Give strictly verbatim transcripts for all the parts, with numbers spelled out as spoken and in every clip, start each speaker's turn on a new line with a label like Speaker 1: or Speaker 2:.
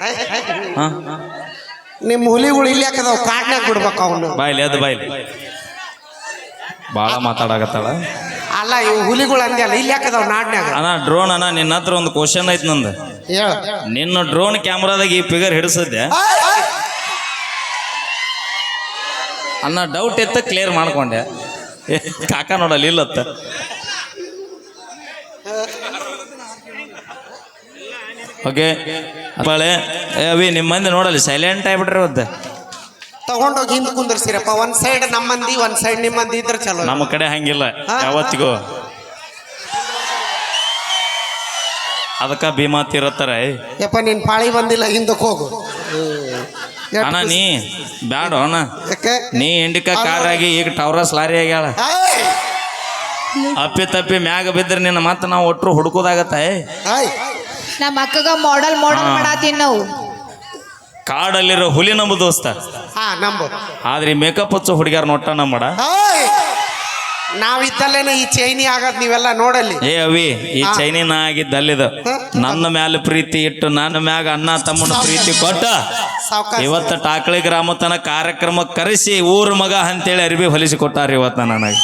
Speaker 1: ನಿಮ್ಮ ಹುಲಿಗಳು ಇಲ್ಲಿ ಯಾಕದಾವ ಕಾಡ್ನಾಗ ಬಿಡ್ಬೇಕು ಅವನು
Speaker 2: ಬಾಯ್ಲಿ ಅದು ಬಾಯ್ಲಿ ಭಾಳ ಮಾತಾಡಕತ್ತಾಳ
Speaker 1: ಅಲ್ಲ ಇವು ಹುಲಿಗಳು ಅಂದ್ಯಲ್ಲ ಇಲ್ಲಿ ಯಾಕದಾವ ನಾಡ್ನ್ಯಾಗ
Speaker 2: ಅಣ್ಣ ಡ್ರೋನ್ ಅಣ್ಣ ನಿನ್ನ ಹತ್ರ ಒಂದು ಕ್ವಶನ್ ಐತಿ ನಂದು
Speaker 1: ಹೇಳ
Speaker 2: ನಿನ್ನ ಡ್ರೋನ್ ಕ್ಯಾಮ್ರಾದಾಗ ಈ ಫಿಗರ್ ಹಿಡಿಸಿದ್ದೆ ಅಣ್ಣ ಡೌಟ್ ಇತ್ತ ಕ್ಲಿಯರ್ ಮಾಡ್ಕೊಂಡೆ ಕಾಕ ನೋಡಲ್ಲ ಇಲ್ಲತ್ತ ಓಕೆ ಬಾಳೆ ಅವಿ ನಿಮ್ಮ ಮಂದಿ ನೋಡಲ್ಲ ಸೈಲೆಂಟ್ ಆಗಿಬಿಟ್ರಿ ಅವತ್ತು
Speaker 1: ತಗೊಂಡೋಗಿ ಹಿಂದ್ ಕುಂದರ್ಸಿರಪ್ಪ ಒಂದ್ ಸೈಡ್ ನಮ್ಮ ಮಂದಿ ಒಂದ್ ಸೈಡ್ ನಿಮ್ಮ ಮಂದಿ ಇದ್ರೆ ಚಲೋ
Speaker 2: ನಮ್ಮ ಕಡೆ ಹಂಗಿಲ್ಲ ಯಾವತ್ತಿಗೂ ಅದಕ್ಕ ಭೀಮಾ ತೀರತ್ತಾರ
Speaker 1: ಯಪ್ಪ ನಿನ್ ಪಾಳಿ ಬಂದಿಲ್ಲ ಹಿಂದಕ್ಕೆ ಹೋಗು
Speaker 2: ಅಣ್ಣ ನೀ ಬ್ಯಾಡ ಅಣ್ಣ ನೀ ಇಂಡಿಕಾ ಕಾರ್ ಆಗಿ ಈಗ ಟವರಸ್ ಲಾರಿ ಆಗ್ಯಾಳ ಅಪ್ಪಿ ತಪ್ಪಿ ಮ್ಯಾಗ ಬಿದ್ರೆ ನಿನ್ನ ಮತ್ತೆ ನಾವು ಒಟ್ಟರು ಹುಡುಕೋದಾಗತ್ತ
Speaker 3: ನಮ್ಮ ಅಕ್ಕಗ ಮಾಡೆಲ್ ಮಾಡೆಲ್ ಮಾಡಾತೀನಿ ನಾವು
Speaker 2: ಕಾಡಲ್ಲಿರೋ ಹುಲಿ ನಂಬು ದೋಸ್ತ ಆದ್ರೆ ಮೇಕಪ್ ಹಚ್ಚೋ ಹುಡುಗ್ಯಾರ ನೋಟ ನಮ್ಮಡ
Speaker 1: ನಾವಿದ್ದಲ್ಲೇನ ಈ ಚೈನಿ ಆಗದ್ ನೀವೆಲ್ಲ ನೋಡಲ್ಲಿ
Speaker 2: ಏ ಅವಿ ಈ ಚೈನಿನ ಆಗಿದ್ದಲ್ಲಿದ ನನ್ನ ಮ್ಯಾಲ ಪ್ರೀತಿ ಇಟ್ಟು ನನ್ನ ಮ್ಯಾಗ ಅಣ್ಣ ತಮ್ಮನ ಪ್ರೀತಿ ಕೊಟ್ಟ ಇವತ್ತ ಟಾಕಳಿ ಗ್ರಾಮ ತನ ಕಾರ್ಯಕ್ರಮ ಕರೆಸಿ ಊರ್ ಮಗ ಅಂತೇಳಿ ಅರಿವಿ ಹೊಲಿಸಿ ಕೊಟ್ಟಾರ ಇವತ್ತ ನನಗೆ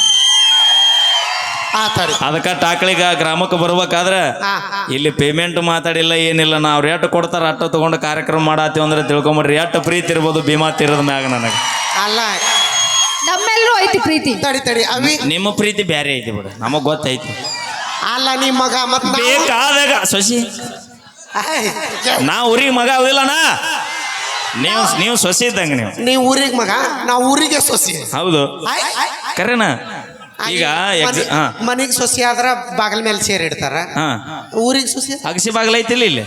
Speaker 2: ಅದಕ್ಕ ಟಾಕಳಿಗ ಗ್ರಾಮಕ್ಕೆ ಬರ್ಬೇಕಾದ್ರೆ ಇಲ್ಲಿ ಪೇಮೆಂಟ್ ಮಾತಾಡಿಲ್ಲ ಏನಿಲ್ಲ ನಾವು ರೇಟ್ ಕೊಡ್ತಾರ ಅಟ್ಟ ತಗೊಂಡು ಕಾರ್ಯಕ್ರಮ ಮಾಡಾತೀವಿ ಅಂದ್ರೆ ತಿಳ್ಕೊಂಬಿಡ್ರಿ ಎಷ್ಟು ಪ್ರೀತಿ ಇರ್ಬೋದು ಭೀಮಾ ತೀರದ ಮ್ಯಾಗ ನನಗೆ
Speaker 1: ಅಲ್ಲ
Speaker 3: ನಮ್ಮೆಲ್ಲರೂ ಐತಿ ಪ್ರೀತಿ
Speaker 1: ತಡಿ ತಡಿ ಅವಿ
Speaker 2: ನಿಮ್ಮ ಪ್ರೀತಿ ಬ್ಯಾರೆ ಐತಿ ಬಿಡು ನಮಗ್ ಗೊತ್ತೈತಿ
Speaker 1: ಅಲ್ಲ ನಿಮ್ಮ ಮಗ ಮತ್
Speaker 2: ಬೇಕಾದಾಗ ಸೊಸಿ ನಾ ಊರಿಗೆ ಮಗ ಅವಿಲ್ಲಣ್ಣ ನೀವು ನೀವು ಸೊಸಿ ಇದ್ದಂಗ ನೀವು
Speaker 1: ನೀವು ಊರಿಗೆ ಮಗ ನಾವು ಊರಿಗೆ ಸೊಸಿ
Speaker 2: ಹೌದು ಕರೆನಾ ಈಗ
Speaker 1: ಮನಿಗ್ ಸೊಸಿ ಆದ್ರ ಬಾಗಿಲ ಮೇಲೆ ಸೇರಿ ಇಡ್ತಾರ ಊರಿಗೆ ಸೊಸಿ
Speaker 2: ಅಗಸಿ ಬಾಗಿಲ ಐತಿಲ್ಲ ಇಲ್ಲಿ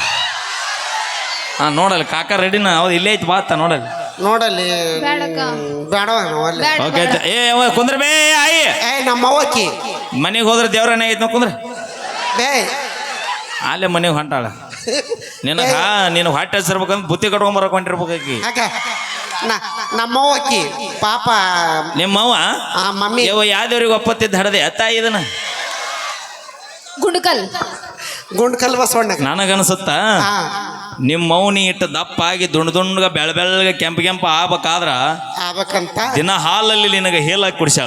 Speaker 2: ಹಾ ನೋಡಲ್ಲ ಕಾಕ ರೆಡಿನ ಹೌದು ಇಲ್ಲೇ ಐತಿ ಬಾತ ನೋಡಲ್ಲ
Speaker 1: ನೋಡಲ್ಲಿ ಬೇಡ
Speaker 2: ಓಕೆ ಏ ಕುಂದ್ರ ಬೇ ಆಯಿ
Speaker 1: ಏ ನಮ್ಮ ಅವ್ವಕ್ಕಿ
Speaker 2: ಮನೆಗೆ ಹೋದ್ರೆ ದೇವ್ರನ್ನ ಐತಿ ನೋ ಕುಂದ್ರ
Speaker 1: ಬೇ
Speaker 2: ಅಲ್ಲೇ ಮನೆಗೆ ಹೊಂಟಾಳ ನಿನಗ ನೀನು ಹೊಟ್ಟೆ ಹಸಿರ್ಬೇಕಂದ್ರೆ ಬುತ್ತಿ ಕಟ್ಕೊಂಡ್ ಬರಕ್ ಹೊಂಟಿರ್ಬೇಕಾಕಿ
Speaker 1: ನಮ್ಮವ್ವಕ್ಕಿ ಪಾಪ
Speaker 2: ನಿಮ್ಮವ್ವ
Speaker 1: ಮಮ್ಮಿ
Speaker 2: ಯಾವ್ದವ್ರಿಗೆ ಒಪ್ಪತ್ತಿದ್ದ ಹಡದೆ ಅತ್ತ ಇದನ್ನ
Speaker 3: ಗುಂಡ್ಕಲ್
Speaker 1: ಗುಂಡ್ಕಲ್ ಬಸವಣ್ಣ
Speaker 2: ನನಗನ್ಸುತ್ತ ನಿಮ್ಮ ಮೌನಿ ಇಟ್ಟು ದಪ್ಪ ಆಗಿ ದುಂಡ್ ದುಂಡ್ಗ ಬೆಳ ಬೆಳಗ್ಗೆ ಕೆಂಪ ಕೆಂಪ ಆಗ್ಬೇಕಾದ್ರ
Speaker 1: ಆಗ್ಬೇಕಂತ
Speaker 2: ದಿನ ಹಾಲಲ್ಲಿ ನಿನಗೆ ಹೇಲಾಗಿ ಕುಡಿಸ್ಯಾಳ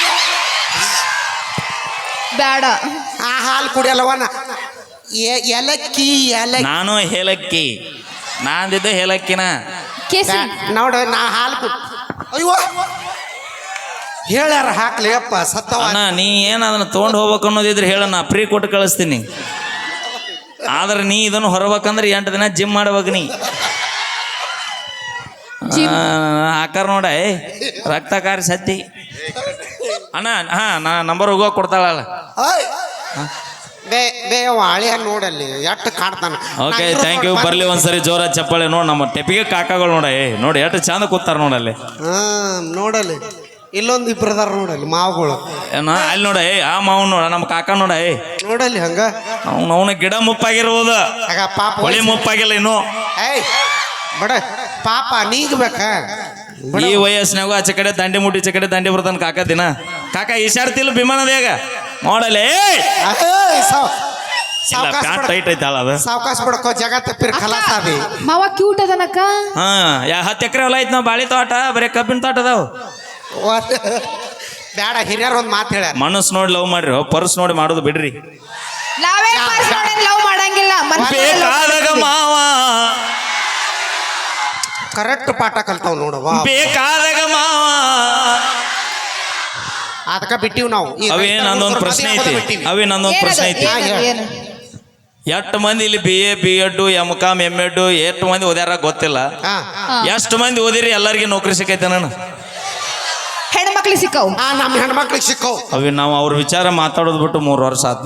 Speaker 3: ಬೇಡ
Speaker 1: ಆ ಹಾಲು ಕುಡಿಯಲ್ಲವನ ಏಲಕ್ಕಿ ಏಲಕ್ಕಿ
Speaker 2: ನಾನು ಹೇಲಕ್ಕಿ ನಾಂದಿದ್ದ ಹೇಲಕ್ಕಿನ
Speaker 1: ನೋಡ ನಾ ಹಾಲು ಕುಡ್ ಅಯ್ಯೋ ಹೇಳ್ಯಾರ ಹಾಕ್ಲಿ ಅಪ್ಪ ಸತ್ತವ
Speaker 2: ನೀ ಏನ್ ಅದನ್ನ ತೊಗೊಂಡು ಹೋಗ್ಬೇಕು ಅನ್ನೋದಿದ್ರೆ ಹೇಳ ನಾ ಫ್ರೀ ಕೊಟ್ಟು ಕಳಿಸ್ತೀನಿ ಆದ್ರೆ ನೀ ಇದನ್ನು ಹೊರಬೇಕಂದ್ರೆ ಎಂಟು ದಿನ ಜಿಮ್ ಮಾಡ್ಬೇಕು ನೀ ಹಾಕಾರ ನೋಡ ರಕ್ತ ಕಾರಿ ಸತ್ತಿ ಅಣ್ಣ ಹಾ ನಾ ನಂಬರ್ ಹೋಗೋ ಕೊಡ್ತಾಳಲ್ಲ
Speaker 1: ಹಳಿಯ ನೋಡಲ್ಲಿ ಎಷ್ಟು ಕಾಡ್ತಾನ
Speaker 2: ಓಕೆ ಥ್ಯಾಂಕ್ ಯು ಬರ್ಲಿ ಒಂದ್ಸರಿ ಜೋರ ಚಪ್ಪಾಳೆ ನೋಡ್ ನಮ್ಮ ಟೆಪಿಗೆ ಕಾಕಗಳು ನೋಡ ಏ ನೋಡಿ ಎಷ್ಟು ಚಂದ ಕೂತಾರ ನೋಡಲ್ಲಿ
Speaker 1: ಹಾ ನೋಡಲ್ಲಿ ಇಲ್ಲೊಂದು ಇಬ್ಬರದಾರ ನೋಡಲ್ಲಿ ಮಾವುಗಳು
Speaker 2: ಅಲ್ಲಿ ನೋಡ ಏ ಆ ಮಾವು ನೋಡ ನಮ್ಮ ಕಾಕ ನೋಡ ಏ
Speaker 1: ನೋಡಲ್ಲಿ ಹಂಗ
Speaker 2: ಅವ್ನ ಅವನ ಗಿಡ ಮುಪ್ಪಾಗಿರ್ಬೋದು
Speaker 1: ಪಾಪ
Speaker 2: ಹೊಳಿ ಮುಪ್ಪಾಗಿಲ್ಲ ಇನ್ನು
Speaker 1: ಏಯ್ ಬಡ ಪಾಪ ನೀಗ್ಬೇಕ
Speaker 2: ಈ ವಯಸ್ಸಿನಾಗೂ ಆಚೆ ಕಡೆ ದಂಡಿ ಮುಟ್ಟಿ ಈಚೆ ಕಡೆ ದಂಡಿ ಬರ್ತಾನ ಕಾಕ ದಿನ ಕಾಕ ಈಶಾಡ್ತಿಲ್ಲ ವಿಮಾನದಾಗ ನೋಡಲೇ ಟೈಟ್ ಐತಾಳ ಅದು
Speaker 1: ಸಾವಕಾಶ ಬಿಡ್ಕೋ ಜಗತ್ತ ಖಲಾಸ ಅದಿ
Speaker 3: ಮಾವ ಕ್ಯೂಟ್ ಅದನಕ್ಕ
Speaker 2: ಹಾ ಯಾ ಹತ್ತು ಎಕರೆ ಹೊಲ ಐತ್ ನಾವ್ ಬಾಳಿ ತೋಟ ಬರೀ ಕಬ್ಬಿನ ತೋಟ ಅದಾವ
Speaker 1: ಬೇಡ ಹಿರಿಯರ್ ಒಂದ್ ಮಾತು ಹೇಳ್ಯಾರ
Speaker 2: ಮನಸ್ ನೋಡಿ ಲವ್ ಮಾಡ್ರಿ ಪರ್ಸ್ ನೋಡಿ ಮಾಡೋದು ಬಿಡ್ರಿ
Speaker 3: ನಾವೇ ಲವ್ ಮಾಡಂಗಿಲ್ಲ
Speaker 2: ಬೇಕಾದಾಗ ಮಾವ
Speaker 1: ಕರೆಕ್ಟ್ ಪಾಠ ಕಲ್ತಾವ್ ನೋಡವ
Speaker 2: ಬೇಕಾದಾಗ ಮಾವ
Speaker 1: ಅದಕ್ಕ ಬಿಟ್ಟಿವ್ ನಾವು
Speaker 2: ಅವೇ ನಂದೊಂದು ಪ್ರಶ್ನೆ ಐತಿ ಅವೇ ನಂದೊಂದು ಪ್ರಶ್ನೆ ಐತಿ ಎಷ್ಟು ಮಂದಿ ಇಲ್ಲಿ B A B Ed M Com M Ed ಎಷ್ಟು ಮಂದಿ ಓದ್ಯಾರ ಗೊತ್ತಿಲ್ಲ ಎಷ್ಟು ಮಂದಿ ಓದಿರಿ ಎಲ್ಲರಿಗೂ ನೌಕರಿ ಸಿಕ್ಕೈತೆ ನಾನು
Speaker 3: ಹೆಣ್ಮಕ್ಳಿಗೆ ಸಿಕ್ಕವು
Speaker 1: ನಮ್ಮ ಹೆಣ್ಮಕ್ಳಿಗೆ ಸಿಕ್ಕವು
Speaker 2: ಅವೇ ನಾವು ಅವ್ರ ವಿಚಾರ ಮಾತಾಡೋದು ಬಿಟ್ಟು ಮೂರು ವರ್ಷ ಆತ್ನ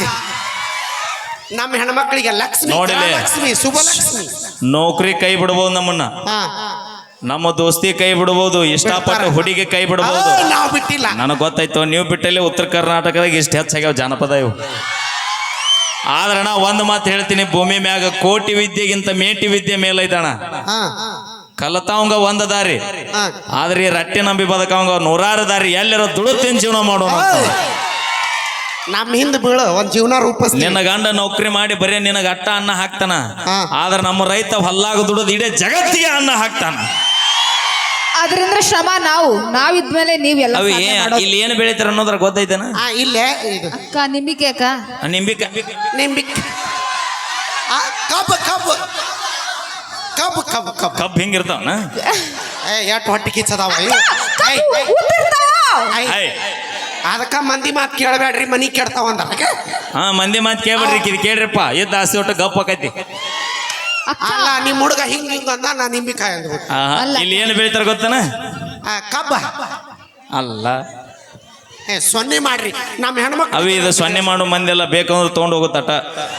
Speaker 1: ನಮ್ಮ ಹೆಣ್ಮಕ್ಳಿಗೆ ಲಕ್ಷ್ಮಿ
Speaker 2: ನೋಡಿಲೆ
Speaker 1: ಲಕ್ಷ್ಮಿ ಶುಭಲಕ್ಷ್ಮಿ
Speaker 2: ನೌಕರಿ ಕೈ ಬಿಡ್ಬೋದು ನಮ್ಮನ್ನ ನಮ್ಮ ದೋಸ್ತಿ ಕೈ ಬಿಡ್ಬೋದು ಇಷ್ಟಪಟ್ಟು ಹುಡುಗಿ ಕೈ ಬಿಡ್ಬೋದು
Speaker 1: ನಾವು ಬಿಟ್ಟಿಲ್ಲ
Speaker 2: ನನಗೆ ಗೊತ್ತಾಯ್ತು ನೀವು ಬಿಟ್ಟಲ್ಲಿ ಉತ್ತರ ಕರ್ನಾಟಕದಾಗ ಇಷ್ಟು ಹೆಚ್ಚಾಗ್ಯಾವ ಜಾನಪದ ಇವು ಆದ್ರೆ ನಾ ಒಂದು ಮಾತು ಹೇಳ್ತೀನಿ ಭೂಮಿ ಮ್ಯಾಗ ಕೋಟಿ ವಿದ್ಯೆಗಿಂತ ಮೇಟಿ ವಿದ್ಯೆ ಮೇಲೈತಣ ಕಲತಾವಂಗ ಒಂದ ದಾರಿ ಆದ್ರೆ ಈ ರಟ್ಟಿ ನಂಬಿ ಬದಕವಂಗ ನೂರಾರು ದಾರಿ ಎಲ್ಲರ ದುಡು ತಿನ್ ಜೀವನ ಮಾಡೋಣ
Speaker 1: ನಮ್ಮ ಹಿಂದ್ ಬೀಳು ಒಂದ್ ಜೀವನ ರೂಪಿಸ್ತೀನಿ.
Speaker 2: ನಿನ್ನ ಗಂಡ ನೌಕರಿ ಮಾಡಿ ಬರೀ ನಿನಗ ಅಟ್ಟ ಅನ್ನ ಹಾಕ್ತಾನ,
Speaker 1: ಹಾ.
Speaker 2: ಆದ್ರ ನಮ್ಮ ರೈತ ಹೊಲ್ಲಾಗ ದುಡಿದು ಇಡೀ ಜಗತ್ತಿಗೆ ಅನ್ನ ಹಾಕ್ತಾನ.
Speaker 3: ಅದರಿಂದ ಶ್ರಮ ನಾವು ನಾವಿದ್ಮೇಲೆ ನೀವೆಲ್ಲ
Speaker 2: ಅವಿ
Speaker 3: ಸಾಧನೆ ಮಾಡೋದು.
Speaker 2: ಇಲ್ಲಿ ಏನು ಬೆಳಿತಾರ ಅನ್ನೋದ್ರ ಗೊತ್ತೈತೇನ?
Speaker 1: ಆ ಇಲ್ಲೇ ಇದು
Speaker 3: ಅಕ್ಕ ನಿಂಬಿಕೆ ಅಕ್ಕ
Speaker 2: ನಿಂಬಿಕ
Speaker 1: ನಿಂಬಿಕ್ ಆ, ಕಬ್ಬು ಕಬ್ಬು ಕಬ್ಬು ಕಬ್ಬು ಕಬ್ಬು
Speaker 2: ಕಬ್ಬು ಹಿಂಗಿರ್ತಾವನ?
Speaker 1: ಏ ಎಷ್ಟು ಹೊಟ್ಟೆ ಕಿಚ್ಚದಾವ ಇವು. ಏಯ್, ಏಯ್, ಏಯ್.
Speaker 2: ಐ
Speaker 1: ಅದಕ್ಕ ಮಂದಿ ಮಾತು ಕೇಳಬೇಡ್ರಿ, ಮನಿ ಕೆಡ್ತಾವ ಅಂದ.
Speaker 2: ಹಾ ಮಂದಿ ಮಾತು ಕೇಳ್ಬಿಡ್ರಿ, ಇದು ಕೇಳ್ರಿಪ್ಪ, ಎದ್ದು ಆಸೆ ಒಟ್ಟು ಗಪ್ ಆಕೈತಿ.
Speaker 3: ಅಕ್ಕ
Speaker 1: ಅಲ್ಲ ನಿಮ್ಮ ಹುಡುಗ ಹಿಂಗ್ ಹಿಂಗ ಅಂದ, ನಾ ನಿಂಬಿಕಾಯಿ ಅಂದ್ಬಿಟ್ಟು.
Speaker 2: ಆಹಾ,
Speaker 3: ಅಲ್ಲ.
Speaker 2: ಇಲ್ಲಿ ಏನು ಬೆಳಿತಾರ ಗೊತ್ತನ?
Speaker 1: ಆ, ಕಬ್ಬ
Speaker 2: ಅಲ್ಲ
Speaker 1: ಏ ಸೊನ್ನೆ ಮಾಡ್ರಿ ನಮ್ಮ ಹೆಣ್ಮಕ್ಳು.
Speaker 2: ಅವಿ ಇದು ಸೊನ್ನೆ ಮಾಡೋ ಮಂದಿ ಎಲ್ಲ ಬೇಕಂದ್ರೆ ತೊಗೊಂಡು ಹೋಗುತ್ತಟ.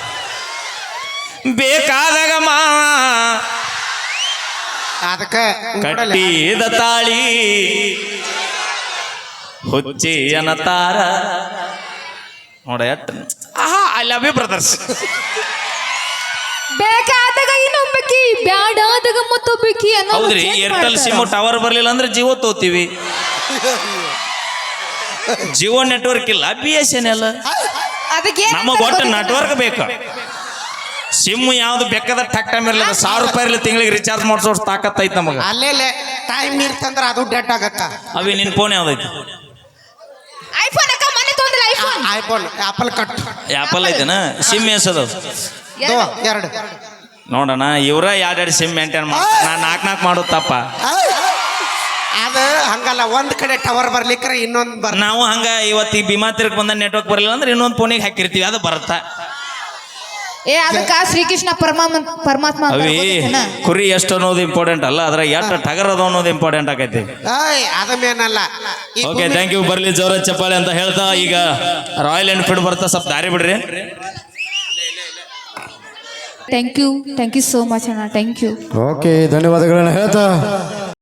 Speaker 2: ಬೇಕಾದಾಗ ಮಾ
Speaker 1: ಅದಕ್ಕ
Speaker 2: ಕಟ್ಟಿದ ತಾಳಿ ಹುಚ್ಚಿ ಅನ್ನತಾರ ನೋಡ ಎಟ್ ಆಹಾ ಐ ಲವ್ ಯು ಬ್ರದರ್ಸ್.
Speaker 3: ಬೇಕಾದಾಗ ಇನ್ನೊಬ್ಬಕಿ ಬ್ಯಾಡಾದಾಗ ಮತ್ತೊಬ್ಬಕಿ ಅನ್ನೋ
Speaker 2: ಹೌದ್ರಿ, ಏರ್ಟೆಲ್ ಸಿಮ್ ಟವರ್ ಬರ್ಲಿಲ್ಲ ಅಂದ್ರೆ ಜಿಯೋ ತೋತೀವಿ. ಜಿಯೋ ನೆಟ್ವರ್ಕ್ ಇಲ್ಲ, ಬಿ ಎಸ್ ಎನ್ ಎಲ್.
Speaker 3: ಅದಕ್ಕೆ
Speaker 2: ನಮಗ್ ಒಟ್ಟು ನೆಟ್ವರ್ಕ್ ಬೇಕು. ಸಿಮ್ ಯಾವ್ದು ಬೇಕಾದ ಟಕ್ ಟೈಮ್ ಇರ್ಲಿಲ್ಲ, ಸಾವಿರ ರೂಪಾಯಿ ಇರ್ಲಿ ತಿಂಗಳಿಗೆ ರಿಚಾರ್ಜ್ ಮಾಡಿಸೋ ತಾಕತ್ ಐತ್ ನಮಗ.
Speaker 1: ಅಲ್ಲೇಲೆ ಟೈಮ್ ಇರ್ತಂದ್ರ ಅದು ಡೆಡ್ ಆಗಕ್ಕ.
Speaker 2: ಅವಿ ನಿನ್ ಫೋನ್ ಯಾವ್ದೈತಿ?
Speaker 3: ಐಫೋನ್ ಅಕ್ಕ ಮನೆ ತೊಂದ್ರೆ iPhone
Speaker 1: iPhone Apple cut
Speaker 2: Apple ಐತೆನ? ಸಿಮ್ ಎಸದ
Speaker 1: ಎರಡು
Speaker 2: ನೋಡೋಣ, ಇವ್ರ ಎರಡೆರಡು ಸಿಮ್ ಮೇಂಟೈನ್ ಮಾಡ್ತಾರೆ, ನಾ ನಾಲ್ಕು ನಾಲ್ಕು ಮಾಡೋದು ತಪ್ಪ.
Speaker 1: ಅದು ಹಂಗಲ್ಲ, ಒಂದ್ ಕಡೆ ಟವರ್ ಬರ್ಲಿಕ್ರೆ ಇನ್ನೊಂದ್ ಬರ್.
Speaker 2: ನಾವು ಹಂಗ ಇವತ್ತು ಈ ಭೀಮಾ ತಿರ್ಗ್ ಬಂದ ನೆಟ್ವರ್ಕ್ ಬರಲಿಲ್ಲ ಅಂದ್ರೆ ಇನ್ನೊಂದು ಫೋನಿಗೆ ಹಾಕಿರ್ತೀವಿ, ಅದು ಬರುತ್ತಾ.
Speaker 3: ಏ ಅದಕ್ಕ ಶ್ರೀಕೃಷ್ಣ ಪರಮಾತ್ಮ ಪರಮಾತ್ಮ ಅಂತ
Speaker 2: ಅವಿ
Speaker 3: ಗೊತ್ತೈತೇನ?
Speaker 2: ಕುರಿ ಎಷ್ಟು ಅನ್ನೋದು ಇಂಪಾರ್ಟೆಂಟ್ ಅಲ್ಲ, ಅದ್ರ ಎಷ್ಟು ಟಗರ್ ಅದು ಅನ್ನೋದು ಇಂಪಾರ್ಟೆಂಟ್ ಆಗೈತಿ.
Speaker 1: ಏಯ್ ಅದ ಮೇನಲ್ಲ. ಈ
Speaker 2: ಓಕೆ
Speaker 1: ಭೂಮಿ-
Speaker 2: ಥ್ಯಾಂಕ್ ಯು. ಬರ್ಲಿ ಜೋರ ಚಪ್ಪಾಳೆ ಅಂತ ಹೇಳ್ತಾ ಈಗ ರಾಯಲ್ ಎನ್ಫೀಲ್ಡ್ ಬರ್ತಾ ಸ್ವಲ್ಪ ದಾರಿ ಬಿಡ್ರಿ.
Speaker 3: Thank you thank you so much ಅಣ್ಣ, ಥ್ಯಾಂಕ್ ಯು.
Speaker 4: ಓಕೆ ಧನ್ಯವಾದಗಳನ್ನ ಹೇಳ್ತಾ